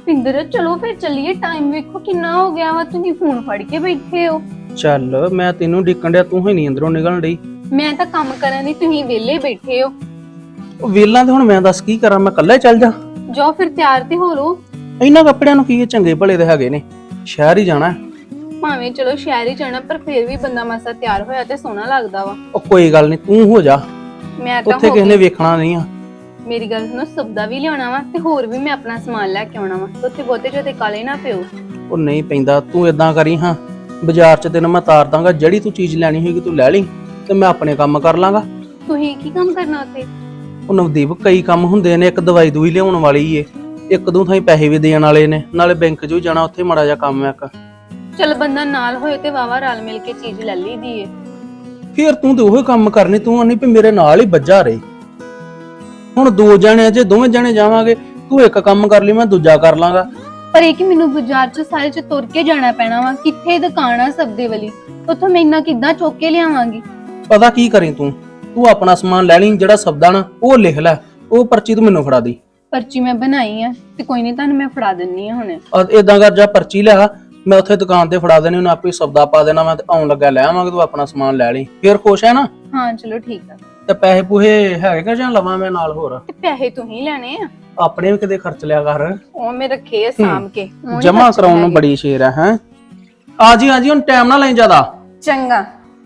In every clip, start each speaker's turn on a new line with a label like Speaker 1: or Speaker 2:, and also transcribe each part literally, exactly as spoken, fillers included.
Speaker 1: ਪਿੰਦਰ ਚਲੋ ਫਿਰ ਚੱਲੀਏ, ਟਾਈਮ ਵੇਖੋ ਕਿੰਨਾ ਹੋ ਗਿਆ ਵਾ, ਤੁਸੀਂ ਫੋਨ ਫੜ ਕੇ ਬੈਠੇ ਹੋ।
Speaker 2: ਚੱਲ ਮੈਂ ਤੈਨੂੰ ਡਿੱਕਣ ਡਿਆ, ਤੂੰ ਹੀ ਨਹੀਂ ਅੰਦਰੋਂ ਨਿਕਲਣ ਡਈ।
Speaker 1: ਮੈਂ ਤਾਂ ਕੰਮ ਕਰਨ ਦੀ, ਤੁਸੀਂ ਵਿਹਲੇ ਬੈਠੇ ਹੋ।
Speaker 2: ਉਹ ਵੇਲਾਂ ਤੇ ਹੁਣ ਮੈਂ ਦੱਸ ਕੀ ਕਰਾਂ, ਮੈਂ ਇਕੱਲਾ ਹੀ ਚੱਲ ਜਾ।
Speaker 1: ਜਾਓ ਫਿਰ ਤਿਆਰ ਤੇ ਹੋ ਲੋ।
Speaker 2: ਇਹਨਾਂ ਕੱਪੜਿਆਂ ਨੂੰ ਕੀ ਇਹ ਚੰਗੇ ਭਲੇ ਦੇ ਹੈਗੇ ਨੇ, ਸ਼ਹਿਰ ਹੀ ਜਾਣਾ।
Speaker 1: ਭਾਵੇਂ ਚਲੋ ਸ਼ਹਿਰ ਹੀ ਜਾਣਾ, ਪਰ ਫਿਰ ਵੀ ਬੰਦਾ ਮਸਾ ਤਿਆਰ ਹੋਇਆ ਤੇ ਸੋਹਣਾ ਲੱਗਦਾ ਵਾ।
Speaker 2: ਉਹ ਕੋਈ ਗੱਲ ਨਹੀਂ, ਤੂੰ ਹੋ ਜਾ,
Speaker 1: ਮੈਂ ਤਾਂ
Speaker 2: ਉੱਥੇ
Speaker 1: ਹੋ
Speaker 2: ਕਿਸੇ ਨੇ
Speaker 1: ਗਈ।
Speaker 2: ਵੇਖਣਾ ਨਹੀਂ ਆ।
Speaker 1: ਮੇਰੀ ਗੱਲ ਸੁਣੋ, ਸਬਦਾ ਵੀ ਲਿਆਉਣਾ ਵਾ ਤੇ ਹੋਰ ਵੀ ਮੈਂ ਆਪਣਾ ਸਮਾਨ ਲੈ ਕੇ ਆਉਣਾ ਵਾ, ਉੱਥੇ ਬਹੁਤੇ ਜਿਹੇ ਕਾਲੇ ਨਾ ਪਿਓ।
Speaker 2: ਉਹ ਨਹੀਂ ਪੈਂਦਾ, ਤੂੰ ਇਦਾਂ ਕਰੀ ਹਾਂ, ਬਾਜ਼ਾਰ 'ਚ ਤੈਨੂੰ ਮੈਂ ਤਾਰ ਦਾਂਗਾ, ਜਿਹੜੀ ਤੂੰ ਚੀਜ਼ ਲੈਣੀ ਹੋਏਗੀ ਤੂੰ ਲੈ ਲਈ ਤੇ ਮੈਂ ਆਪਣੇ ਕੰਮ ਕਰ ਲਾਂਗਾ।
Speaker 1: ਤੁਸੀਂ ਕੀ ਕੰਮ ਕਰਨਾ ਉੱਥੇ?
Speaker 2: ਉਹ ਨਵਦੀਪ, ਕਈ ਕੰਮ ਹੁੰਦੇ ਨੇ, ਇੱਕ ਦਵਾਈ ਦੂਈ ਲਿਆਉਣ ਵਾਲੀ ਏ, ਇੱਕ ਦੋ ਥਾਂ ਪੈਸੇ ਵੀ ਦੇਣ ਵਾਲੇ ਨੇ, ਨਾਲੇ ਬੈਂਕ 'ਚ ਵੀ ਜਾਣਾ, ਉੱਥੇ ਮਾੜਾ ਜਿਹਾ ਕੰਮ ਹੈ ਇੱਕ।
Speaker 1: ਚਲ ਬੰਦਾ ਨਾਲ ਹੋਏ ਤੇ ਵਾਵਾ ਰਲ ਮਿਲ ਕੇ ਚੀਜ਼ ਲੈ ਲਈਦੀ ਏ।
Speaker 2: ਫਿਰ ਤੂੰ ਤੇ ਉਹੀ ਕੰਮ ਕਰਨੀ, ਤੂੰ ਨਹੀਂ ਵੀ ਮੇਰੇ ਨਾਲ ਹੀ ਵੱਜਾ ਰਹੀ। ਹੁਣ ਦੋ ਜਣੇ, ਜੇ ਦੋਵੇਂ ਜਣੇ ਜਾਵਾਂਗੇ, ਤੂੰ ਇੱਕ ਕੰਮ ਕਰ ਲਈ, ਮੈਂ ਦੂਜਾ ਕਰ ਲਾਂਗਾ।
Speaker 1: ਪਰ ਇਹ ਕਿ ਮੈਨੂੰ ਬਾਜ਼ਾਰ 'ਚ ਸਾਰੇ 'ਚ ਤੁਰ ਕੇ ਜਾਣਾ ਪੈਣਾ ਵਾ, ਕਿੱਥੇ ਦੁਕਾਨ ਆ ਸਬਦੇ ਵਾਲੀ, ਉੱਥੋਂ ਮੈਂ ਇੰਨਾ ਕਿੱਦਾਂ ਚੁੱਕ ਕੇ ਲਿਆਵਾਂਗੀ?
Speaker 2: ਪਤਾ ਕੀ ਕਰੀ ਤੂੰ ਤੂੰ ਆਪਣਾ ਸਮਾਨ ਲੈ ਲਈ, ਜਿਹੜਾ ਸਬਦਾ ਨਾ ਉਹ ਲਿਖ ਲੈ, ਉਹ ਪਰਚੀ ਤੂੰ ਮੈਨੂੰ ਫੜਾ ਦੀ।
Speaker 1: ਪਰਚੀ ਮੈਂ ਬਣਾਈ ਆ ਤੇ ਕੋਈ ਨਹੀਂ, ਤੁਹਾਨੂੰ ਮੈਂ ਫੜਾ ਦਿੰਨੀ ਆ ਹੁਣ।
Speaker 2: ਏਦਾਂ ਕਰ, ਜਾ ਪਰਚੀ ਲਿਆ, ਮੈਂ ਉੱਥੇ ਦੁਕਾਨ ਤੇ ਫੜਾ ਦੇਣੀ, ਉਹਨੇ ਆਪੇ ਸਬਦਾ ਪਾ ਦੇਣਾ, ਮੈਂ ਤੇ ਆਉਣ ਲੱਗਾ ਲੈ ਆਵਾਂਗਾ, ਤੂੰ ਆਪਣਾ ਸਮਾਨ ਲੈ ਲਈ। ਫਿਰ ਖੁਸ਼ ਹੈ ਨਾ?
Speaker 1: ਹਾਂ ਚਲੋ ਠੀਕ ਆ।
Speaker 2: ਤੇ ਪੈਸੇ ਪੂਹੇ ਹੈਗੇ ਕਿ ਜਾਂ ਲਵਾਂ ਮੈਂ ਨਾਲ ਹੋਰ?
Speaker 1: ਤੇ ਪੈਸੇ ਤੂੰ ਹੀ ਲੈਣੇ ਆ,
Speaker 2: ਆਪਣੇ ਵੀ ਕਿਤੇ ਖਰਚ ਲਿਆ ਕਰ।
Speaker 1: ਉਹ ਮੈਂ ਰੱਖੇ ਆ ਸਾਂਭ ਕੇ,
Speaker 2: ਜਮਾ ਕਰਾਉਣ ਨੂੰ ਬੜੀ ਸ਼ੇਰ ਹੈ। ਹੈ ਆ ਜੀ ਆ ਜੀ, ਹੁਣ ਟਾਈਮ ਨਾ ਲਈ ਜ਼ਿਆਦਾ।
Speaker 1: ਚੰਗਾ।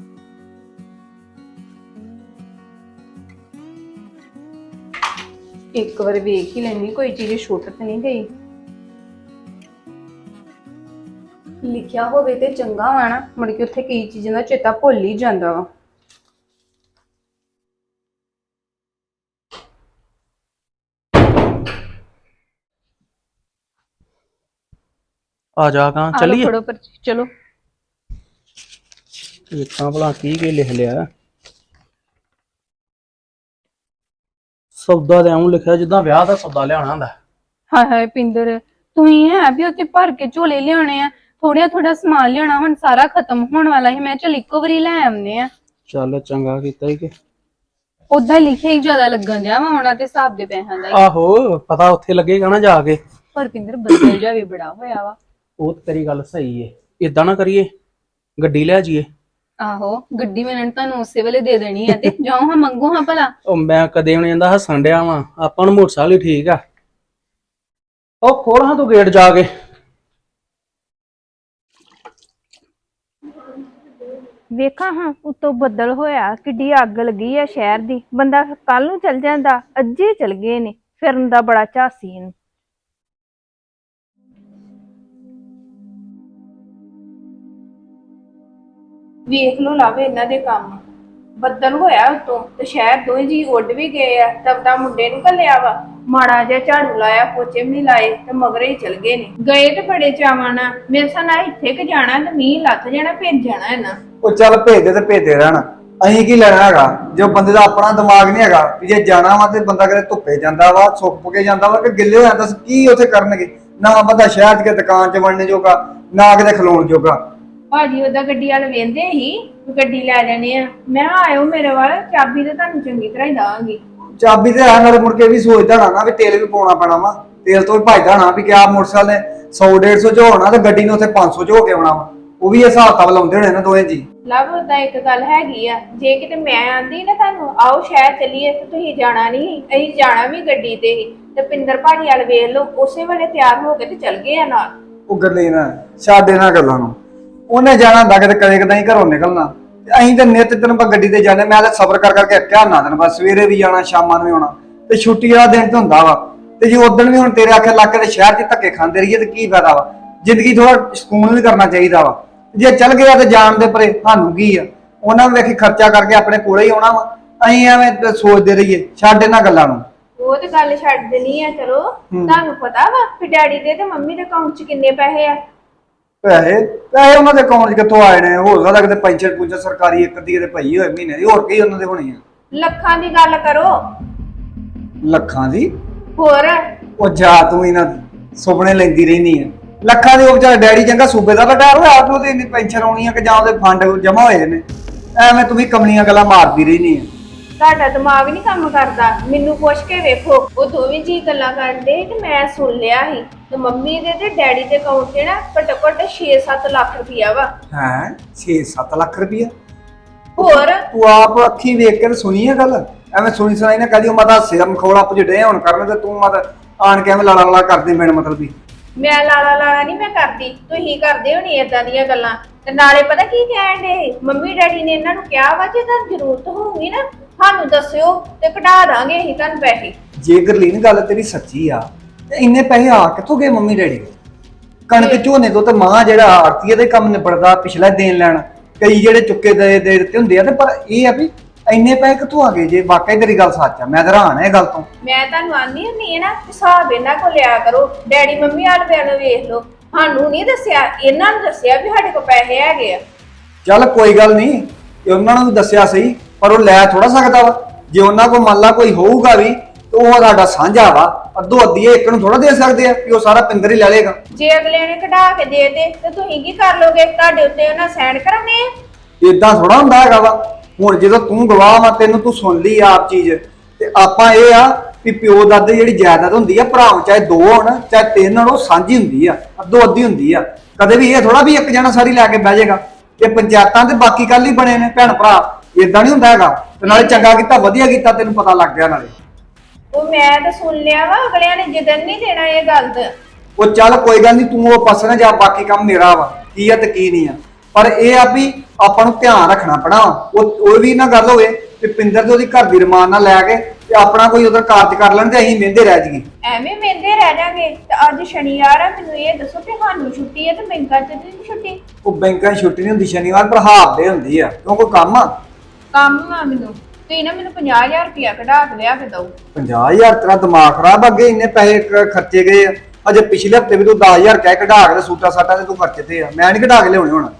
Speaker 1: ਇੱਕ ਵਾਰ ਵੇਖ ਹੀ ਲੈਣੀ, ਕੋਈ ਚੀਜ਼ ਛੁੱਟ ਤੇ ਨਹੀਂ ਗਈ। ਲਿਖਿਆ ਹੋਵੇ ਤੇ ਚੰਗਾ ਵਾ ਨਾ, ਮੁੜ ਕੇ ਉੱਥੇ ਕਈ ਚੀਜ਼ਾਂ ਦਾ ਚੇਤਾ ਭੁੱਲ ਹੀ ਜਾਂਦਾ ਵਾ।
Speaker 2: ਆ ਜਾ ਕਾਂ ਚੱਲੀਏ।
Speaker 1: ਫੜੋ ਪਰਚੀ, ਚਲੋ।
Speaker 2: ਵੇਖਾਂ ਭਲਾ ਕੀ ਕੀ ਲਿਖ ਲਿਆ। ਸੌਦਾ ਤੇ ਐਉਂ ਲਿਖਿਆ ਜਿੱਦਾਂ ਵਿਆਹ ਦਾ ਸੌਦਾ ਲਿਆਉਣਾ ਹੁੰਦਾ।
Speaker 1: ਹਾਏ ਹਾਏ ਪਿੰਦਰ, ਤੁਸੀਂ ਹੈ ਵੀ ਉੱਥੇ ਭਰ ਕੇ ਝੋਲੇ ਲਿਆਉਣੇ ਆ, ਥੋੜਾ ਥੋੜਾ ਸਮਾਨ ਲਿਆਉਣਾ, ਹੁਣ ਸਾਰਾ ਖਤਮ ਹੋਣ ਵਾਲਾ ਸੀ, ਮੈਂ ਚਲ ਇੱਕੋ ਵਾਰੀ ਲੈ ਆਉਂਦੇ ਆ।
Speaker 2: ਚੱਲ ਚੰਗਾ ਕੀਤਾ ਹੀ ਕਿ
Speaker 1: ਉਦਾਂ ਲਿਖਿਆ ਹੀ ਜ਼ਿਆਦਾ ਲੱਗਣ ਜਾ ਵਾ ਉਹਨਾਂ ਦੇ ਹਿਸਾਬ ਦੇ ਪੈਸਿਆਂ ਦਾ।
Speaker 2: ਆਹੋ, ਪਤਾ ਉੱਥੇ ਲੱਗੇਗਾ ਨਾ ਜਾ ਕੇ।
Speaker 1: ਪਰ ਪਿੰਦਰ ਬੱਦਲ ਜਾ ਵੀ ਬੜਾ ਹੋਇਆ ਵਾ।
Speaker 2: ਉਹ ਤੇ ਤੇਰੀ ਗੱਲ ਸਹੀ ਏ, ਏਦਾਂ ਨਾ ਕਰੀਏ, ਗੱਡੀ ਲੈ ਜਾਈਏ।
Speaker 1: ਆਹੋ, ਗੱਡੀ ਮੈਂ ਤੁਹਾਨੂੰ ਉਸੇ ਵੇਲੇ ਦੇ ਦੇਣੀ ਆ, ਤੇ ਜਾਓ ਹਾਂ ਮੰਗੋ ਹਾਂ ਭਲਾ।
Speaker 2: ਉਹ ਮੈਂ ਕਦੇ ਵੀ ਜਾਂਦਾ ਹੱਸਣ ਡਿਆ ਵਾਂ, ਆਪਾਂ ਨੂੰ ਮੋਟਰਸਾਈਕਲ ਹੀ ਠੀਕ ਆ। ਉਹ ਖੋਲ ਹਾਂ ਤੂੰ ਗੇਟ ਜਾ ਕੇ।
Speaker 3: ਵੇਖਾਂ ਹਾਂ, ਉੱਤੋਂ ਬੱਦਲ ਹੋਇਆ, ਕਿੱਡੀ ਅੱਗ ਲੱਗੀ ਆ ਸ਼ਹਿਰ ਦੀ। ਬੰਦਾ ਕੱਲ ਨੂੰ ਚਲ ਜਾਂਦਾ, ਅੱਜੇ ਚਲ ਗਏ ਨੇ, ਫਿਰਨ ਦਾ ਬੜਾ ਝਾਸੀ ਇਹਨੂੰ।
Speaker 1: ਵੇਖ ਲੋ ਲਾਵੇ ਇਹਨਾਂ ਦੇ ਕੰਮ, ਬੱਦਲ ਹੋਇਆ ਉਤੋਂ ਤੇ ਸ਼ਹਿਰ ਦੋਵੇਂ ਜੀ ਉੱਡ ਵੀ ਗਏ ਆ, ਤਬਦਾ ਮੁੰਡੇ ਨੂੰ ਘੱਲਿਆ ਵਾ, ਮਾੜਾ ਜਿਹਾ ਝਾੜੂ ਲਾਇਆ, ਪੋਚੇ ਵੀ ਨਹੀਂ ਲਾਏ ਤੇ ਮਗਰੇ ਹੀ ਚਲ ਗਏ ਨੇ। ਗਏ ਤੇ ਬੜੇ ਚਾਵਾਂ ਨਾਲ, ਮੇਰੇ ਸਾਹ ਨਾਲ ਇੱਥੇ ਕਿ ਜਾਣਾ ਤੇ ਮੀਂਹ ਲੱਥ ਜਾਣਾ, ਭੇਜ ਜਾਣਾ ਇਹਨਾਂ।
Speaker 4: ਉਹ ਚੱਲ ਭੇਜਦੇ ਤੇ ਭੇਜਦੇ ਰਹਿਣ, ਅਸੀਂ ਕੀ ਲੈਣਾ ਹੈਗਾ? ਜੋ ਬੰਦੇ ਦਾ ਆਪਣਾ ਦਿਮਾਗ ਨਹੀਂ ਹੈਗਾ ਵੀ ਜੇ ਜਾਣਾ ਵਾ ਤੇ ਬੰਦਾ ਕਿਤੇ ਧੁੱਪੇ ਜਾਂਦਾ ਵਾ, ਸੁੱਕ ਕੇ ਜਾਂਦਾ ਵਾ, ਕਿ ਗਿੱਲੇ ਹੋ ਜਾਂਦਾ, ਕੀ ਉੱਥੇ ਕਰਨਗੇ? ਨਾ ਬੰਦਾ ਸ਼ਹਿਰ 'ਚ ਕੇ ਦੁਕਾਨ 'ਚ ਵੜਨੇ ਜੋਗਾ, ਨਾ ਕਿਤੇ ਖਲੋਣ ਜੋਗਾ।
Speaker 1: ਭਾਜੀ ਉਹਦਾ ਗੱਡੀ ਵਾਲ ਵੇਂਦੇ ਹੀ ਗੱਡੀ ਲੈ ਜਾਣੀ ਆ, ਮੈਂ ਆਇਓ ਮੇਰੇ ਵੱਲ, ਚਾਬੀ ਤੇ ਤੁਹਾਨੂੰ ਚੰਗੀ ਤਰ੍ਹਾਂ ਹੀ ਦਾਂਗੀ।
Speaker 4: ਚਾਬੀ ਤੇ ਆ, ਨਾਲੇ ਮੁੜ ਕੇ ਵੀ ਸੋਚਦਾ ਨਾ ਨਾ ਵੀ ਤੇਲ ਵੀ ਪਾਉਣਾ ਪੈਣਾ ਵਾ, ਤੇਲ ਤੋਂ ਵੀ ਭਜਦਾ ਨਾ ਵੀ ਕਿਆ ਮੋਟਰਸਾਈਕਲ ਨੇ ਸੌ ਡੇਢ ਸੌ ਚ ਹੋਣਾ ਤੇ ਗੱਡੀ ਨੂੰ ਉੱਥੇ ਪੰਜ ਸੌ ਚ ਹੋ ਕੇ ਆਉਣਾ ਵਾ। ਉਹ ਵੀ ਇਹ ਹਿਸਾਬ ਕਿਤਾਬ ਲਾਉਂਦੇ ਹੋਣੇ ਨਾ ਦੋਵੇਂ ਜੀ।
Speaker 1: ਲਵ ਉਦਾਂ ਇੱਕ ਗੱਲ ਹੈਗੀ ਆ, ਜੇ ਕਿਤੇ ਮੈਂ ਆਂਦੀ ਨਾ ਤੁਹਾਨੂੰ ਆਓ ਸ਼ਹਿਰ ਚੱਲੀਏ ਤੇ ਤੁਸੀਂ ਜਾਣਾ ਨਹੀਂ, ਅਸੀਂ ਜਾਣਾ ਵੀ ਗੱਡੀ ਤੇ ਹੀ, ਤੇ ਪਿੰਦਰ ਭਾਜੀ ਵਾਲ ਵੇਖ ਲਓ, ਉਸੇ ਵੇਲੇ ਤਿਆਰ ਹੋ ਕੇ ਤੇ ਚੱਲ ਗਏ ਆ ਨਾਲ।
Speaker 4: ਉਹ ਗੱਲੇ ਨਾ ਛੱਡ ਇਹਨਾਂ ਗੱਲਾਂ ਨੂੰ, ਉਹਨੇ ਜਾਣਾ ਹੁੰਦਾ ਕਿਤੇ ਕਦੇ ਕਦੇ ਹੀ ਘਰੋਂ ਨਿਕਲਣਾ, ਤੇ ਅਸੀਂ ਤਾਂ ਨਿੱਤ ਦਿਨ ਆਪਾਂ ਗੱਡੀ ਤੇ ਜਾਂਦੇ। ਮੈਂ ਤਾਂ ਸਬਰ ਕਰ ਕਰਕੇ ਅੱਕਿਆ ਨਾ ਦਿਨ, ਬਸ ਸਵੇਰੇ ਵੀ ਜਾਣਾ ਸ਼ਾਮਾਂ ਨੂੰ ਵੀ ਆਉਣਾ, ਤੇ ਛੁੱਟੀ ਵਾਲਾ ਦਿਨ ਤੇ ਹੁੰਦਾ ਵਾ। ਤੇ ਜੇ ਉਦਣ ਵੀ ਹੁਣ ਤੇਰੇ ਆਖੇ ਲੱਗ ਕੇ ਤੇ ਸ਼ਹਿਰ 'ਚ ਧੱਕੇ ਖਾਂਦੇ ਰਹੀਏ ਤੇ ਕੀ ਫਾਇਦਾ ਵਾ? ਜ਼ਿੰਦਗੀ ਥੋੜਾ ਸਕੂਨ ਵੀ ਕਰਨਾ ਚਾਹੀਦਾ ਵਾ। ਜੇ ਚੱਲ ਗਿਆ ਤੇ ਜਾਣ ਦੇ ਪਰੇ ਸਾਨੂੰ ਕੀ ਆ? ਉਹਨਾਂ ਨੂੰ ਵੇਖੀ ਖਰਚਾ ਕਰਕੇ ਆਪਣੇ ਕੋਲੇ ਹੀ ਆਉਣਾ ਵਾ, ਅਸੀਂ ਐਵੇਂ ਸੋਚਦੇ ਰਹੀਏ। ਛੱਡ ਇਹਨਾਂ ਗੱਲਾਂ ਨੂੰ।
Speaker 1: ਉਹ ਤੇ ਗੱਲ ਛੱਡ ਦੇਣੀ ਆ, ਚਲੋ ਤੁਹਾਨੂੰ ਪਤਾ ਵਾ ਕਿ ਡੈਡੀ ਦੇ ਤੇ ਮੰਮੀ ਦੇ ਅਕਾਊਂਟ 'ਚ ਕਿੰਨੇ ਪੈਸੇ ਆ?
Speaker 4: ਪੈਸੇ ਪੈਸੇ ਉਹਨਾਂ ਦੇ ਅਕਾਊਂਟ 'ਚ ਕਿੱਥੋਂ ਆਏ ਨੇ? ਹੋ ਸਕਦਾ ਕਿਤੇ ਪੈਨਸ਼ਨ ਪੂੰਸ਼ਨ ਸਰਕਾਰੀ ਇੱਕ ਦੀ ਕਿਤੇ ਪਈ ਹੋਏ ਮਹੀਨੇ ਦੀ, ਹੋਰ ਕੀ ਉਹਨਾਂ ਦੇ ਹੋਣੀ ਆ?
Speaker 1: ਲੱਖਾਂ ਦੀ ਗੱਲ ਕਰੋ।
Speaker 4: ਲੱਖਾਂ ਦੀ?
Speaker 1: ਹੋਰ
Speaker 4: ਉਹ ਜਾ ਤੂੰ ਇਹਨਾਂ ਸੁਪਨੇ ਲੈਂਦੀ ਰਹਿਨੀ ਆ ਲੱਖਾਂ ਦੀ। ਉਹ ਵਿਚਾਰਾ ਡੈਡੀ ਚੰਗਾ ਸੂਬੇ ਦਾ ਰਿਟਾਇਰ ਹੋਇਆ, ਆਪ ਨੂੰ ਤੇ ਇੰਨੀ ਪੈਨਸ਼ਨ ਆਉਣੀ ਆ ਕਿ ਜਾਂ ਉਹਦੇ ਫੰਡ ਜਮਾ ਹੋਏ ਨੇ? ਐਵੇਂ ਤੂੰ ਵੀ ਕਮਲੀਆਂ ਗੱਲਾਂ ਮਾਰਦੀ ਰਹਿਨੀ ਆ।
Speaker 1: ਤੁਹਾਡਾ ਦਿਮਾਗ ਨਹੀਂ ਕੰਮ ਕਰਦਾ, ਮੈਨੂੰ ਪੁੱਛ ਕੇ ਵੇਖੋ। ਉਹ ਦੋਵੇਂ ਜੀ ਗੱਲਾਂ ਕਰਦੇ ਤੇ ਮੈਂ ਸੁਣ ਲਿਆ ਸੀ ਤੇ ਮੰਮੀ ਦੇ ਤੇ ਡੈਡੀ ਦੇ ਅਕਾਊਂਟ 'ਤੇ ਨਾ ਘੱਟੋ ਘੱਟ ਛੇ ਸੱਤ ਲੱਖ ਰੁਪਇਆ ਵਾ।
Speaker 4: ਹੈ ਛੇ ਸੱਤ ਲੱਖ ਰੁਪਈਆ?
Speaker 1: ਹੋਰ
Speaker 4: ਤੂੰ ਆਪ ਅੱਖੀ ਵੇਖ ਕੇ ਤੇ ਸੁਣੀ ਆ ਗੱਲ? ਐਵੇਂ ਸੁਣੀ ਸੁਣਾਈ ਨਾ ਕਹਦੀ ਮੈਂ ਤਾਂ ਸਿਰ ਮਖੌਲਾ ਪੁਜੜੇ ਹੁਣ ਕਰਨ ਤੇ ਤੂੰ ਮਤ ਆਣ ਕੇ ਐਵੇਂ ਲਾਲਾ ਲਾਲਾ ਕਰਦੇ ਮੈਨੂੰ ਮਤਲਬ ਵੀ।
Speaker 1: ਮੈਂ ਲਾਲਾ ਲਾਲਾ ਨਹੀਂ ਮੈਂ ਕਰਦੀ, ਤੁਸੀਂ ਕਰਦੇ ਹੋ ਨਹੀਂ ਏਦਾਂ ਦੀਆਂ ਗੱਲਾਂ। ਤੇ ਨਾਲੇ ਪਤਾ ਕੀ ਕਹਿਣ ਦੇ, ਮੰਮੀ ਡੈਡੀ ਨੇ ਇਹਨਾਂ ਨੂੰ ਕਿਹਾ ਵਾ ਜੇ ਤੁਹਾਨੂੰ ਜ਼ਰੂਰਤ ਹੋਊਗੀ ਨਾ ਸਾਨੂੰ ਦੱਸਿਓ ਤੇ ਕਢਾ ਦਾਂਗੇ ਅਸੀਂ ਤੁਹਾਨੂੰ ਪੈਸੇ।
Speaker 4: ਜੇ ਗਰਲੀਨ ਗੱਲ ਤੇਰੀ ਸੱਚੀ ਆ ਤੇ ਇੰਨੇ ਪੈਸੇ ਆ ਕਿੱਥੋਂ ਗਏ ਮੰਮੀ ਡੈਡੀ ਦੇ? ਕਣਕ ਝੋਨੇ ਤੋਂ ਤੇ ਮਾਂ ਜਿਹੜਾ ਆਰਤੀਏ ਦੇ ਕੰਮ ਨਿਬੜਦਾ ਪਿਛਲਾ ਦੇਣ ਲੈਣ ਕਈ ਜਿਹੜੇ ਚੁੱਕੇ ਦੇ ਦੇ ਦਿੱਤੇ ਹੁੰਦੇ ਆ ਤੇ ਪਰ ਇਹ ਆ ਵੀ ਇੰਨੇ ਪੈਸੇ ਕਿੱਥੋਂ ਆ ਗਏ? ਜੇ ਵਾਕਈ ਤੇਰੀ ਗੱਲ ਸੱਚ ਆ ਮੈਂ ਤਾਂ ਹੈਰਾਨ ਆ ਇਹ ਗੱਲ ਤੋਂ।
Speaker 1: ਮੈਂ ਤੁਹਾਨੂੰ ਆਨੀ ਹੁੰਦੀ ਹੈ ਨਾ ਹਿਸਾਬ ਇਹਨਾਂ ਕੋਲ ਲਿਆ ਕਰੋ। ਡੈਡੀ ਮੰਮੀ ਵਾਲ ਵੱਲ ਵੇਖ ਲਓ, ਸਾਨੂੰ ਨਹੀਂ ਦੱਸਿਆ, ਇਹਨਾਂ ਨੂੰ ਦੱਸਿਆ ਵੀ ਸਾਡੇ ਕੋਲ ਪੈਸੇ ਹੈਗੇ ਆ।
Speaker 4: ਚੱਲ ਕੋਈ ਗੱਲ ਨਹੀਂ, ਤੇ ਉਹਨਾਂ ਨੂੰ ਵੀ ਦੱਸਿਆ ਸਹੀ ਪਰ ਉਹ ਲੈ ਥੋੜਾ ਸਕਦਾ ਵਾ। ਜੇ ਉਹਨਾਂ ਕੋਲ ਮੰਨ ਲਾ ਕੋਈ ਹੋਊਗਾ ਵੀ ਤੇ ਉਹ ਸਾਡਾ ਸਾਂਝਾ ਵਾ, ਅੱਧੋ ਅੱਧੀ ਇੱਕ ਨੂੰ ਥੋੜਾ ਦੇ ਸਕਦੇ ਆ ਕਿ ਉਹ ਸਾਰਾ ਪਿੰਦਰ ਹੀ ਲੈ ਲੇਗਾ।
Speaker 1: ਜੇ ਅਗਲੇ ਨੇ ਕਢਾ ਕੇ ਦੇ ਦੇ ਤੇ ਤੁਸੀਂ ਕੀ ਕਰ ਲੋਗੇ? ਤੁਹਾਡੇ ਉੱਤੇ ਉਹਨਾਂ ਸਾਈਨ ਕਰਾਉਣੇ ਆ।
Speaker 4: ਇਦਾਂ ਥੋੜਾ ਹੁੰਦਾ ਹੈਗਾ ਵਾ। ਹੁਣ ਜਦੋਂ ਤੂੰ ਗਵਾਹ ਵਾ ਤੈਨੂੰ ਤੂੰ ਸੁਣ ਲਈ ਆਪ ਚੀਜ਼ ਤੇ ਆਪਾਂ ਇਹ ਆ ਵੀ ਪਿਓ ਦਾਦੇ ਜਿਹੜੀ ਜਾਇਦਾਦ ਹੁੰਦੀ ਆ ਭਰਾ ਚਾਹੇ ਦੋ ਹੋਣ ਚਾਹੇ ਤਿੰਨ ਹੋਣ ਉਹ ਸਾਂਝੀ ਹੁੰਦੀ ਆ, ਅੱਧੋ ਅੱਧੀ ਹੁੰਦੀ ਆ। ਕਦੇ ਵੀ ਇਹ ਥੋੜਾ ਵੀ ਇੱਕ ਜਣਾ ਸਾਰੀ ਲੈ ਕੇ ਬਹਿ ਜਾਏਗਾ। ਇਹ ਪੰਚਾਇਤਾਂ ਤੇ ਬਾਕੀ ਕੱਲ ਹੀ ਬਣੇ ਨੇ ਭੈਣ ਭਰਾ, ਇਦਾਂ ਨਹੀਂ ਹੁੰਦਾ ਹੈਗਾ। ਤੇ ਨਾਲੇ ਚੰਗਾ ਕੀਤਾ ਵਧੀਆ ਕੀਤਾ ਤੈਨੂੰ ਪਤਾ ਲੱਗ ਗਿਆ ਨਾਲੇ।
Speaker 1: ਉਹ ਮੈਂ ਤਾਂ ਸੁਣ ਲਿਆ ਵਾ, ਅਗਲਿਆਂ ਨੇ ਜਿੱਦਣ ਨਹੀਂ ਦੇਣਾ ਇਹ ਗੱਲ ਤੇ।
Speaker 4: ਉਹ ਚੱਲ ਕੋਈ ਗੱਲ ਨਹੀਂ, ਤੂੰ ਉਹ ਪਾਸੇ ਨਾ ਜਾ, ਬਾਕੀ ਕੰਮ ਮੇਰਾ ਵਾ ਕੀ ਆ ਤੇ ਕੀ ਨਹੀਂ ਆ। ਪਰ ਇਹ ਆ ਵੀ ਆਪਾਂ ਨੂੰ ਧਿਆਨ ਰੱਖਣਾ ਪੈਣਾ। ਉਹ ਉਹ ਵੀ ਨਾ ਗੱਲ ਹੋਵੇ ਕਿ ਪਿੰਦਰ ਤੇ ਉਹਦੀ ਘਰ ਦੀ ਰਮਾਨ ਨਾਲ ਲੈ ਕੇ ਤੇ ਆਪਣਾ ਕੋਈ ਉਧਰ ਕਾਰਜ ਕਰ ਲੈਣ ਤੇ ਅਸੀਂ ਮਹਿੰਦੇ ਰਹਿ ਜਾਈਏ।
Speaker 1: ਐਵੇਂ ਮਹਿੰਦੇ ਰਹਿ ਜਾਗੇ। ਤੇ ਅੱਜ ਸ਼ਨੀਵਾਰ ਆ, ਮੈਨੂੰ ਇਹ ਦੱਸੋ ਕਿ ਸਾਨੂੰ ਛੁੱਟੀ ਹੈ ਤੇ ਬੈਂਕਾਂ 'ਚ ਤੇ ਨਹੀਂ ਛੁੱਟੀ?
Speaker 4: ਉਹ ਬੈਂਕਾਂ 'ਚ ਛੁੱਟੀ ਨਹੀਂ ਹੁੰਦੀ ਸ਼ਨੀਵਾਰ, ਪਰ ਹਾਫ ਡੇ ਹੁੰਦੀ ਆ। ਕਿਉਂ ਕੋਈ ਕੰਮ ਆ?
Speaker 1: ਕੰਮ ਆ ਮੈਨੂੰ। ਤੁਸੀਂ ਨਾ ਮੈਨੂੰ ਪੰਜਾਹ ਹਜ਼ਾਰ ਰੁਪਇਆ ਕਢਾ ਕੇ ਲਿਆ ਕੇ ਦਿਓ।
Speaker 4: ਪੰਜਾਹ ਹਜ਼ਾਰ ਤੇਰਾ ਦਿਮਾਗ ਖਰਾਬ, ਅੱਗੇ ਇੰਨੇ ਪੈਸੇ ਕ- ਖਰਚੇ ਗਏ ਆ। ਅਜੇ ਪਿਛਲੇ ਹਫਤੇ ਵੀ ਤੂੰ ਦਸ ਹਜ਼ਾਰ ਕਹਿ ਕਢਾ ਕੇ ਸੂਟਾ ਸਾਟਾ ਤੇ ਤੂੰ ਖਰਚੇ ਤੇ ਆ। ਮੈਂ ਨਹੀਂ ਕਢਾ ਕੇ ਲਿਆਉਣੇ ਹੁਣ।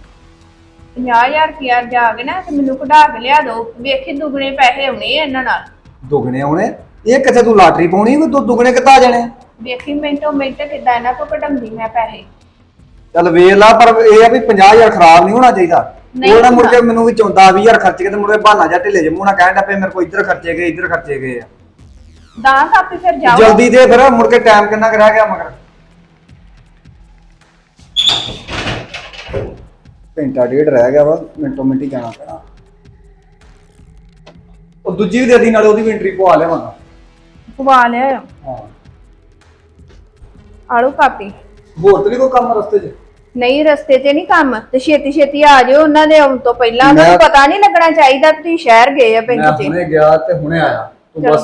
Speaker 1: ਪੰਜਾਹ ਹਜ਼ਾਰ ਰੁਪਇਆ ਜਾ ਕੇ ਨਾ ਤੇ ਮੈਨੂੰ ਕਢਾ ਕੇ ਲਿਆ ਦਿਓ। ਵੇਖੀ ਦੁੱਗਣੇ ਪੈਸੇ ਆਉਣੇ ਆ ਇਹਨਾਂ ਨਾਲ।
Speaker 4: ਦੁੱਗਣੇ ਆਉਣੇ? ਇਹ ਕਿੱਥੇ ਤੂੰ ਲਾਟਰੀ ਪਾਉਣੀ ਕੋਈ ਤੂੰ ਦੁੱਗਣੇ ਕਿੱਦਾਂ ਆ ਜਾਣੇ?
Speaker 1: ਵੇਖੀ ਮਿੰਟੋ ਮਿੰਟ ਕਿੱਦਾਂ ਇਹਨਾਂ ਤੋਂ ਕਢਾਉਂਦੀ ਮੈਂ ਪੈਸੇ।
Speaker 4: ਚੱਲ ਵੇਖ ਲਾ, ਪਰ ਇਹ ਆ ਵੀ ਪੰਜਾਹ ਹਜ਼ਾਰ ਖਰਾਬ ਨਹੀਂ ਹੋਣਾ ਚਾਹੀਦਾ।
Speaker 1: ਨਹੀਂ
Speaker 4: ਉਹ ਨਾ ਮੁੜ
Speaker 1: ਹੋਣਾ।
Speaker 4: ਕੇ ਮੈਨੂੰ ਵੀ ਚੌਂਦਾ ਵੀਹ ਹਜ਼ਾਰ ਖਰਚ ਕੇ ਤੇ ਮੁੜ ਕੇ ਬਹਾਨਾ ਜਾਂ ਢਿੱਲੇ ਜਿਹੇ ਮੂੰਹ ਨਾਲ ਕਹਿਣ ਦਾ ਪਏ ਮੇਰੇ ਕੋਲ ਇੱਧਰ ਖਰਚੇ ਗਏ ਇੱਧਰ ਖਰਚੇ ਗਏ ਆ।
Speaker 1: ਦਾਂ ਕਾਪੀ ਫਿਰ ਜਾਓ।
Speaker 4: ਜਲਦੀ ਦੇ ਫਿਰ, ਮੁੜ ਕੇ ਟਾਈਮ ਕਿੰਨਾ ਕੁ ਰਹਿ ਗਿਆ ਮਗਰ? ਘੰਟਾ ਡੇਢ ਰਹਿ ਗਿਆ ਵਾ, ਮਿੰਟੋ ਮਿੰਟ ਹੀ ਜਾਣਾ ਪੈਣਾ। ਉਹ ਦੂਜੀ ਵੀ ਦੇ ਦੀ, ਨਾਲੇ ਉਹਦੀ ਵੀ ਐਂਟਰੀ ਪਵਾ ਲਿਆਵਾਂਗਾ।
Speaker 1: ਪਵਾ ਲਿਆ
Speaker 4: ਹਾਂ,
Speaker 1: ਆਲੂ ਕਾਪੀ।
Speaker 4: ਹੋਰ ਤੇ ਨਹੀਂ ਕੋਈ ਕੰਮ ਰਸਤੇ 'ਚ?
Speaker 1: ਨਹੀਂ ਰਸਤੇ 'ਚ ਨਹੀਂ ਕੰਮ, ਤੇ ਛੇਤੀ ਛੇਤੀ ਆ ਜਾਓ ਉਹਨਾਂ ਦੇ ਆਉਣ ਤੋਂ ਪਹਿਲਾਂ।
Speaker 4: ਮੈਂ-
Speaker 1: ਤੁਹਾਨੂੰ ਪਤਾ ਨਹੀਂ ਲੱਗਣਾ ਚਾਹੀਦਾ ਕਿ ਤੁਸੀਂ ਸ਼ਹਿਰ ਗਏ ਆ
Speaker 4: ਮੈਂ
Speaker 1: ਬੈਂਕ 'ਚ।
Speaker 4: ਹੁਣੇ ਗਿਆ ਤੇ ਹੁਣੇ ਆਇਆ, ਤੂੰ ਬਸ।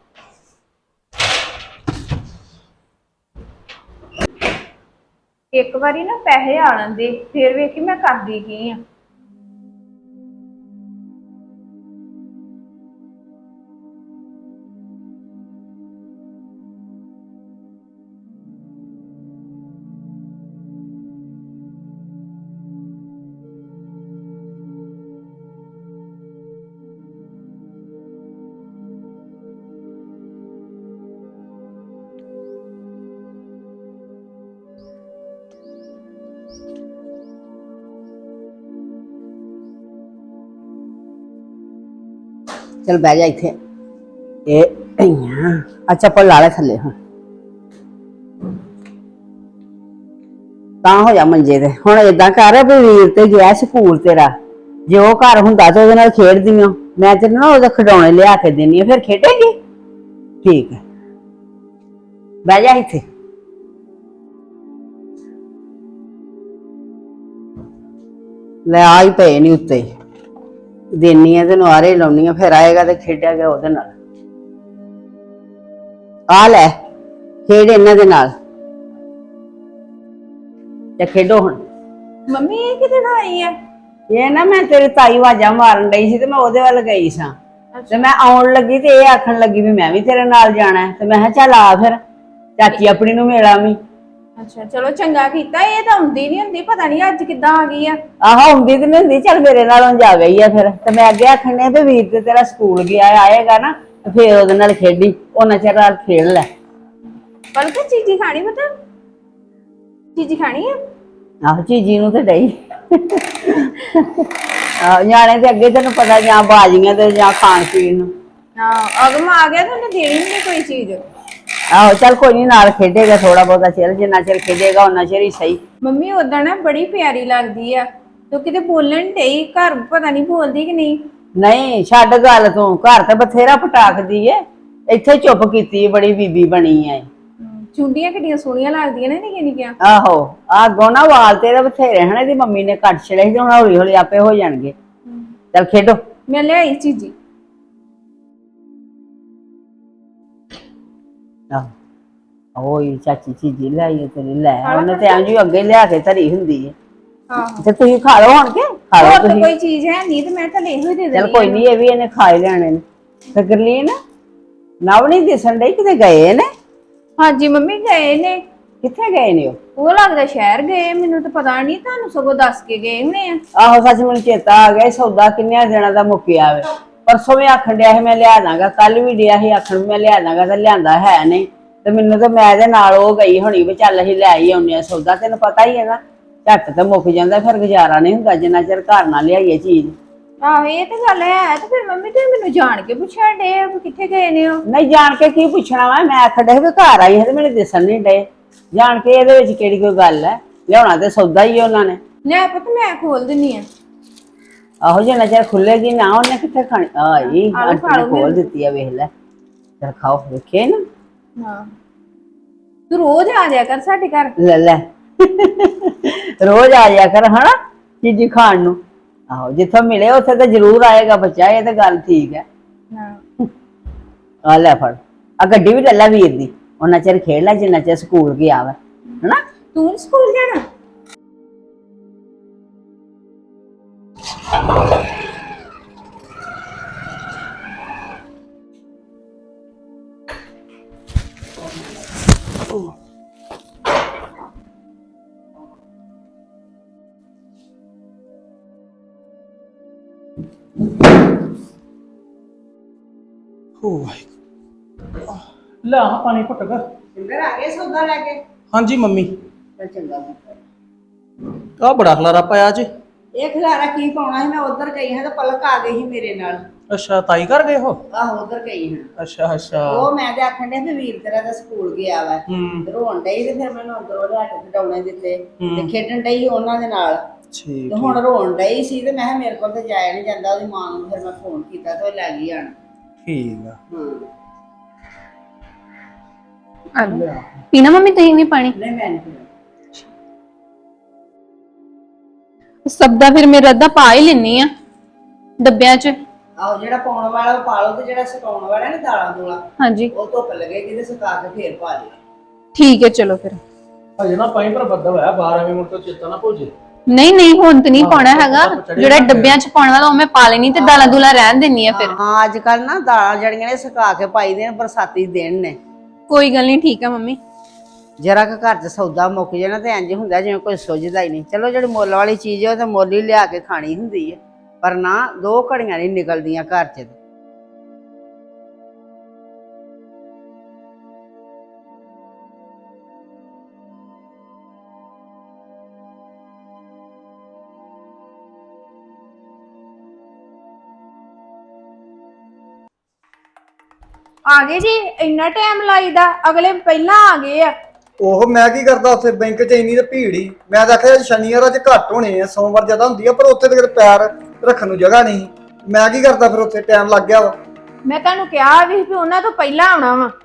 Speaker 1: ਇੱਕ ਵਾਰੀ ਨਾ ਪੈਸੇ ਆ ਲੈਂਦੇ ਫਿਰ ਵੇਖੀ ਮੈਂ ਕਰਦੀ ਕੀ ਆ।
Speaker 5: चल बह जा इथे ए आ चप्पल ला ले थले हुण ਤਾਂ ਹੋ ਜਾ ਮੰਜੇ ਤੇ। ਹੁਣ ਏਦਾਂ ਕਰ ਵੀ ਵੀਰ ਤੇ ਗਿਆ ਸਕੂਲ ਤੇਰਾ, ਜੇ ਉਹ ਘਰ ਹੁੰਦਾ ਤੇ ਉਹਦੇ ਨਾਲ ਖੇਡਦੀਆਂ, ਮੈਂ ਤੈਨੂੰ ਨਾ ਉਹਦੇ ਖਿਡੌਣੇ ਲਿਆ ਕੇ ਦੇਣੀ ਆ, ਫਿਰ ਖੇਡੇਂਗੀ। ਠੀਕ ਹੈ, ਬਹਿ ਜਾ ਇੱਥੇ। ਲੈ ਆਈ ਪਏ ਨਹੀਂ ਉੱਤੇ, ਦੇਣੀ ਆ ਤੈਨੂੰ ਆਰੇ ਲਾਉਣੀ ਆ, ਫਿਰ ਆਏਗਾ ਤੇ ਖੇਡਿਆ ਗਿਆ ਉਹਦੇ ਨਾਲ। ਆ ਲੈ ਖੇਡ ਇਹਨਾਂ ਦੇ ਨਾਲ ਤੇ ਖੇਡੋ ਹੁਣ।
Speaker 1: ਮੰਮੀ ਇਹ ਕਿਤੇ ਆਈ ਆ?
Speaker 5: ਇਹ ਨਾ ਮੈਂ ਤੇਰੀ ਤਾਈ ਆਵਾਜ਼ਾਂ ਮਾਰਨ ਡਈ ਸੀ ਤੇ ਮੈਂ ਉਹਦੇ ਵੱਲ ਗਈ ਸਾਂ, ਤੇ ਮੈਂ ਆਉਣ ਲੱਗੀ ਤੇ ਇਹ ਆਖਣ ਲੱਗੀ ਵੀ ਮੈਂ ਵੀ ਤੇਰੇ ਨਾਲ ਜਾਣਾ ਹੈ, ਤੇ ਮੈਂ ਕਿਹਾ ਚੱਲ ਆ ਫਿਰ ਚਾਚੀ ਆਪਣੀ ਨੂੰ ਮਿਲ ਆਵੀਂ।
Speaker 1: ਅੱਛਾ ਚਲੋ ਚੰਗਾ ਕੀਤਾ। ਇਹ ਤਾਂ ਹੁੰਦੀ ਨਹੀਂ ਹੁੰਦੀ, ਪਤਾ ਨਹੀਂ ਅੱਜ ਕਿੱਦਾਂ ਆ ਗਈ ਆ।
Speaker 5: ਆਹੋ ਹੁੰਦੀ ਤੇ ਨਹੀਂ ਹੁੰਦੀ, ਚੱਲ ਮੇਰੇ ਨਾਲੋਂ ਜਾ ਗਈ ਆ ਫਿਰ। ਤੇ ਮੈਂ ਅੱਗੇ ਆਖਣ ਡਈ ਵੀ ਵੀਰ ਤੇ ਤੇਰਾ ਸਕੂਲ ਗਿਆ ਆਏਗਾ ਨਾ ਤੇ ਫਿਰ ਉਹਦੇ ਨਾਲ ਖੇਡੀ, ਉਹਨਾਂ ਚਿਰ ਨਾਲ ਖੇਡ ਲੈ।
Speaker 1: ਬਲਕਿ ਚੀਜ਼ੀ ਖਾਣੀ ਪਤਾ, ਚੀਜ਼ੀ ਖਾਣੀ ਆ।
Speaker 5: ਆਹੋ ਚੀਜੀ ਨੂੰ ਤੇ ਡਈ ਆਹ ਨਿਆਣੇ ਤੇ ਅੱਗੇ ਤੈਨੂੰ ਪਤਾ ਜਾਂ ਬਾਜੀਆਂ ਤੇ ਜਾਂ ਖਾਣ ਪੀਣ ਨੂੰ।
Speaker 1: ਹਾਂ ਅਗਮ ਆ ਗਿਆ ਤਾਂ ਉਹਨੇ ਦੇਣੀ ਨਹੀਂ ਕੋਈ ਚੀਜ਼।
Speaker 5: ਆਹੋ ਚੱਲ ਕੋਈ ਨਹੀਂ, ਨਾਲ ਖੇਡੇਗਾ ਥੋੜਾ ਬਹੁਤਾ ਚਿਰ, ਜਿੰਨਾ ਚਿਰ ਖੇਡੇਗਾ ਉਹਨਾਂ ਚਿਰ ਹੀ ਸਹੀ।
Speaker 1: ਮੰਮੀ ਉਦਾਂ ਨਾ ਬੜੀ ਪਿਆਰੀ ਲੱਗਦੀ ਆ, ਤੂੰ ਕਿਤੇ ਬੋਲਣ ਡਈ, ਘਰ ਪਤਾ ਨਹੀਂ ਬੋਲਦੀ ਕਿ ਨਹੀਂ।
Speaker 5: ਨਹੀਂ ਛੱਡ ਗੱਲ ਤੂੰ, ਘਰ ਤੇ ਬਥੇਰਾ ਪਟਾਕਦੀ ਏ, ਇੱਥੇ ਚੁੱਪ ਕੀਤੀ ਏ, ਬੜੀ ਬੀਬੀ ਬਣੀ ਐ।
Speaker 1: ਚੁੰਡੀਆਂ ਕਿੱਡੀਆਂ ਸੋਹਣੀਆਂ ਲੱਗਦੀਆਂ ਨੇ ਨਿੱਕੀਆਂ ਨਿੱਕੀਆਂ।
Speaker 5: ਆਹੋ ਆ ਗੋਨਾ ਵਾਲ ਤੇਰੇ ਬਥੇਰੇ ਹਨ, ਇਹਦੀ ਮੰਮੀ ਨੇ ਕੱਟ ਛੜੇ ਸੀ, ਹੁਣ ਹੌਲੀ ਹੌਲੀ ਆਪੇ ਹੋ ਜਾਣਗੇ। ਚੱਲ ਖੇਡੋ।
Speaker 1: ਮੈਂ ਲਿਆਈ ਚੀਜੀ।
Speaker 5: ਆਹ ਓਏ ਚਾਚੀ ਚੀਜ਼ੀ ਲਿਆਈ ਤੇਰੀ, ਲੈ ਉਹਨੇ ਤੇ ਐਂ ਜੀ ਅੱਗੇ ਲਿਆ ਕੇ ਧਰੀ ਹੁੰਦੀ ਏ।
Speaker 1: ਆਹੋ
Speaker 5: ਤੇ ਤੁਸੀਂ ਖਾ ਲਓ ਹੁਣ ਕੇ, ਖਾ ਲਓ
Speaker 1: ਹੋਰ ਤਾਂ
Speaker 5: ਤੁਸੀਂ।
Speaker 1: ਕੋਈ ਚੀਜ਼ ਹੈ ਨਹੀਂ ਤੇ ਮੈਂ ਤਾਂ ਇਹੋ ਹੀ ਦੇ
Speaker 5: ਚੱਲ
Speaker 1: ਦੇਣੀ
Speaker 5: ਕੋਈ ਨਹੀਂ, ਇਹ ਵੀ ਇਹਨੇ ਖਾ ਹੀ ਲੈਣੇ ਨੇ। ਤੇ ਗਰਲੀਨ ਨਵ ਨਹੀਂ ਦਿਸਣ ਡਈ, ਕਿਤੇ ਗਏ ਨੇ?
Speaker 1: ਹਾਂਜੀ ਮੰਮੀ ਗਏ ਨੇ।
Speaker 5: ਕਿੱਥੇ ਗਏ ਨੇ ਉਹ?
Speaker 1: ਉਹ ਲੱਗਦਾ ਸ਼ਹਿਰ ਗਏ, ਮੈਨੂੰ ਤਾਂ ਪਤਾ ਨਹੀਂ, ਤੁਹਾਨੂੰ ਸਗੋਂ ਦੱਸ ਕੇ ਗਏ ਨੇ ਆ।
Speaker 5: ਆਹੋ ਸੱਚ ਮੈਨੂੰ ਚੇਤਾ ਆ ਗਿਆ, ਸੌਦਾ ਕਿੰਨਿਆਂ ਦਿਨਾਂ ਦਾ ਮੁੱਕਿਆ ਵੇ। ਪਰਸੋਂ ਵੀ ਆਖਣ ਡਿਆ ਸੀ ਮੈਂ ਲਿਆ ਦਾਂਗਾ, ਕੱਲ ਵੀ ਡਿਆ ਸੀ ਆਖਣ ਵੀ ਮੈਂ ਲਿਆ ਦਾਂਗਾ, ਤੇ ਲਿਆਂਦਾ ਹੈ ਨਹੀਂ। ਤੇ ਮੈਨੂੰ ਤਾਂ ਮੈਂ ਇਹਦੇ ਨਾਲ ਉਹ ਗਈ ਹੋਣੀ ਵੀ ਚੱਲ ਅਸੀਂ ਲੈ ਹੀ ਆਉਂਦੇ ਆ ਸੌਦਾ, ਤੈਨੂੰ ਪਤਾ ਹੀ ਹੈ ਨਾ ਝੱਟ ਤੇ ਮੁੱਕ ਜਾਂਦਾ, ਫਿਰ ਗੁਜ਼ਾਰਾ ਨਹੀਂ ਹੁੰਦਾ ਜਿੰਨਾ ਚਿਰ ਘਰ ਨਾ ਲਿਆਈਏ ਚੀਜ਼।
Speaker 1: ਆਹੋ ਇਹ ਤਾਂ ਗੱਲ ਹੈ। ਤੇ ਫਿਰ ਮੰਮੀ ਤੁਸੀਂ ਮੈਨੂੰ ਜਾਣ ਕੇ ਪੁੱਛਣ ਡੇ ਆ ਵੀ ਕਿੱਥੇ ਗਏ ਨੇ ਉਹ?
Speaker 5: ਨਹੀਂ ਜਾਣ ਕੇ ਕੀ ਪੁੱਛਣਾ ਵਾ, ਮੈਂ ਆਖਣ ਡਿਆ ਸੀ ਵੀ ਘਰ ਆਈ ਹੈ ਤੇ ਮੈਨੂੰ ਦਿਸਣ ਨਹੀਂ ਡੇ। ਜਾਣ ਕੇ ਇਹਦੇ ਵਿੱਚ ਕਿਹੜੀ ਕੋਈ ਗੱਲ ਹੈ, ਲਿਆਉਣਾ ਤੇ ਸੌਦਾ ਹੀ ਉਹਨਾਂ ਨੇ।
Speaker 1: ਲੈ ਪੁੱਤ ਮੈਂ ਖੋਲ ਦਿੰਨੀ ਆ।
Speaker 5: ਆਹੋ ਜਿੰਨਾ ਚਿਰ ਖੁੱਲੇਗੀ ਨਾ ਉਹਨੇ ਕਿੱਥੇ ਖਾਣੀ। ਆਈ
Speaker 1: ਆਲੂ ਖਾ ਲਓ
Speaker 5: ਆਂਟੀ ਖੋਲ
Speaker 1: ਮੇਰੇ।
Speaker 5: ਦਿੱਤੀ ਆ, ਵੇਖ ਲੈ। ਚਲ ਖਾਓ, ਵੇਖੇ ਨਾ।
Speaker 1: ਹਾਂ ਤੂੰ ਰੋਜ਼ ਆ ਜਾਇਆ ਕਰ ਸਾਡੇ ਘਰ।
Speaker 5: ਲੈ ਲੈ ਰੋਜ਼ ਆ ਜਾ ਕਰ ਹਨਾ ਚੀਜ਼ੀ ਖਾਣ ਨੂੰ। ਆਹੋ ਜਿੱਥੋਂ ਮਿਲੇ ਉੱਥੇ ਤਾਂ ਜ਼ਰੂਰ ਆਏਗਾ ਬੱਚਾ, ਇਹ ਤਾਂ ਗੱਲ ਠੀਕ ਹੈ।
Speaker 1: ਹਾਂ
Speaker 5: ਆ ਲੈ ਫੜ, ਆ ਗੱਡੀ ਵੀ ਲੈ ਲੈ ਵੀਰ ਦੀ, ਉਹਨਾਂ ਚਿਰ ਖੇਡ ਲੈ ਜਿੰਨਾ ਚਿਰ ਸਕੂਲ ਗਿਆ ਵਾ, ਹਨਾ।
Speaker 1: ਤੂੰ ਨੀ ਸਕੂਲ ਜਾਣਾ?
Speaker 2: ਓ ਵਾਹਿਗੁਰੂ। ਲੈ ਆ ਪਾਣੀ ਘੁੱਟ ਕੇ।
Speaker 5: ਸਿੰਦਰ ਆ ਗਏ ਸੌਦਾ ਲੈ ਕੇ?
Speaker 2: ਹਾਂਜੀ ਮੰਮੀ।
Speaker 5: ਚੱਲ ਚੰਗਾ ਪੁੱਤ।
Speaker 2: ਆ ਬੜਾ ਖਲਾਰਾ ਪਾਇਆ ਜੀ।
Speaker 5: ਇਹ ਖਿਲਾਰਾ ਕੀ ਪਾਉਣਾ ਸੀ, ਮੈਂ ਉਧਰ ਗਈ ਹਾਂ ਤੇ ਪਲਕ ਆ ਗਈ ਸੀ ਮੇਰੇ ਨਾਲ।
Speaker 2: ਅੱਛਾ ਤਾਈ ਕਰ ਗਏ ਹੋ?
Speaker 5: ਆਹੋ ਉਧਰ ਗਈ ਹਾਂ।
Speaker 2: ਅੱਛਾ ਅੱਛਾ।
Speaker 5: ਉਹ ਮੈਂ ਤੇ ਆਖਣ ਡਿਆ ਵੀ ਵੀਰ ਤੇਰਾ ਤਾਂ ਸਕੂਲ ਗਿਆ ਵਾ,
Speaker 2: ਹੂੰ
Speaker 5: ਰੋਣ ਡਈ ਤੇ ਫਿਰ ਮੈਨੂੰ ਅੰਦਰੋਂ ਲਿਆ ਕੇ ਖਿਡੌਣੇ ਦਿੱਤੇ ਤੇ ਖੇਡਣ ਡਈ ਉਹਨਾਂ ਦੇ ਨਾਲ।
Speaker 2: ਠੀਕ
Speaker 5: ਤੇ ਹੁਣ ਰੋਣ ਡਈ ਸੀ ਤੇ ਮੈਂ ਕਿਹਾ ਮੇਰੇ ਕੋਲ ਤੇ ਜਾਇਆ ਨਹੀਂ ਜਾਂਦਾ, ਉਹਦੀ ਮਾਂ ਨੂੰ ਫਿਰ ਮੈਂ ਫੋਨ ਕੀਤਾ ਤੇ ਉਹ ਲੈ ਗਈ ਆਣ।
Speaker 2: ਠੀਕ ਆ।
Speaker 5: ਹਾਂ
Speaker 6: ਪੀਣਾ ਮੰਮੀ ਤੁਸੀਂ ਵੀ ਪਾਣੀ?
Speaker 5: ਨਹੀਂ ਮੈਂ ਨਹੀਂ
Speaker 6: ਸਭ ਦਾ ਫਿਰ ਮੇਰਾ ਅੱਧਾ ਪਾ ਹੀ ਲੈਣੀ ਆ ਡੱਬਿਆਂ 'ਚ।
Speaker 5: ਆਹੋ ਜਿਹੜਾ ਪਾਉਣ ਵਾਲਾ ਉਹ ਪਾ ਲਓ, ਤੇ ਜਿਹੜਾ ਸੁਕਾਉਣ ਵਾਲਾ ਨਾ ਦਾਲਾਂ ਦੂਲਾ
Speaker 6: ਹਾਂਜੀ
Speaker 5: ਉਹ ਧੁੱਪ ਲੱਗੇਗੀ ਤੇ ਸੁਕਾ ਕੇ ਫੇਰ ਪਾ ਲਿਓ।
Speaker 6: ਠੀਕ ਹੈ ਚਲੋ ਫਿਰ।
Speaker 2: ਹਜੇ ਨਾ ਪਾਣੀ ਪਰ ਬੱਦਲ ਹੋਇਆ ਬਾਹਰ, ਐਵੇਂ ਮੁੜ ਕੇ ਚੇਤਾ ਨਾ ਭੁੱਲ ਜੇ।
Speaker 6: ਨਹੀਂ ਨਹੀਂ ਹੁਣ ਤੇ ਨਹੀਂ ਪਾਉਣਾ ਹੈਗਾ, ਜਿਹੜਾ ਡੱਬਿਆਂ 'ਚ ਪਾਉਣ ਵਾਲਾ ਉਹ ਮੈਂ ਪਾ ਲੈਣੀ ਤੇ ਦਾਲਾਂ ਦੂਲਾਂ ਰਹਿਣ ਦੇਣੀ ਆ ਫਿਰ।
Speaker 5: ਹਾਂ ਅੱਜ ਕੱਲ ਨਾ ਦਾਲਾਂ ਜਿਹੜੀਆਂ ਨੇ ਸੁਕਾ ਕੇ ਪਾਈ ਦੇ ਨੇ, ਬਰਸਾਤੀ ਦਿਨ ਨੇ।
Speaker 6: ਕੋਈ ਗੱਲ ਨਹੀਂ, ਠੀਕ ਆ ਮੰਮੀ।
Speaker 5: ਜਰਾ ਕਿ ਘਰ 'ਚ ਸੌਦਾ ਮੁੱਕ ਜਾਣਾ ਤੇ ਇੰਜ ਹੁੰਦਾ ਜਿਵੇਂ ਕੋਈ ਸੁੱਝਦਾ ਹੀ ਨਹੀਂ। ਚਲੋ ਜਿਹੜੀ ਮੁੱਲ ਵਾਲੀ ਚੀਜ਼ ਹੈ ਉਹ ਤਾਂ ਮੁੱਲ ਹੀ ਲਿਆ ਕੇ ਖਾਣੀ ਹੁੰਦੀ ਹੈ, ਪਰ ਨਾ ਦੋ ਘੜੀਆਂ ਨਹੀਂ ਨਿਕਲਦੀਆਂ ਘਰ 'ਚ।
Speaker 1: ਆ ਗਏ ਜੀ? ਇੰਨਾ ਟਾਈਮ ਲਾਈਦਾ? ਅਗਲੇ ਪਹਿਲਾਂ ਆ ਗਏ ਆ।
Speaker 4: ਉਹ ਮੈਂ ਕੀ ਕਰਦਾ ਉੱਥੇ ਬੈਂਕ 'ਚ ਇੰਨੀ ਤੇ ਭੀੜ ਹੀ। ਮੈਂ ਤਾਂ ਆਖਿਆ ਸ਼ਨੀਵਾਰ ਅੱਜ ਘੱਟ ਹੋਣੇ ਆ, ਸੋਮਵਾਰ ਜ਼ਿਆਦਾ ਹੁੰਦੀ ਆ, ਪਰ ਉੱਥੇ ਤੇ ਪੈਰ ਰੱਖਣ ਨੂੰ ਜਗ੍ਹਾ ਨਹੀਂ। ਮੈਂ ਕੀ ਕਰਦਾ ਫਿਰ ਉੱਥੇ, ਟਾਈਮ ਲੱਗ ਗਿਆ ਵਾ।
Speaker 1: ਮੈਂ ਤੁਹਾਨੂੰ ਕਿਹਾ ਵੀ ਵੀ ਉਹਨਾਂ ਤੋਂ ਪਹਿਲਾਂ ਆਉਣਾ ਵਾ।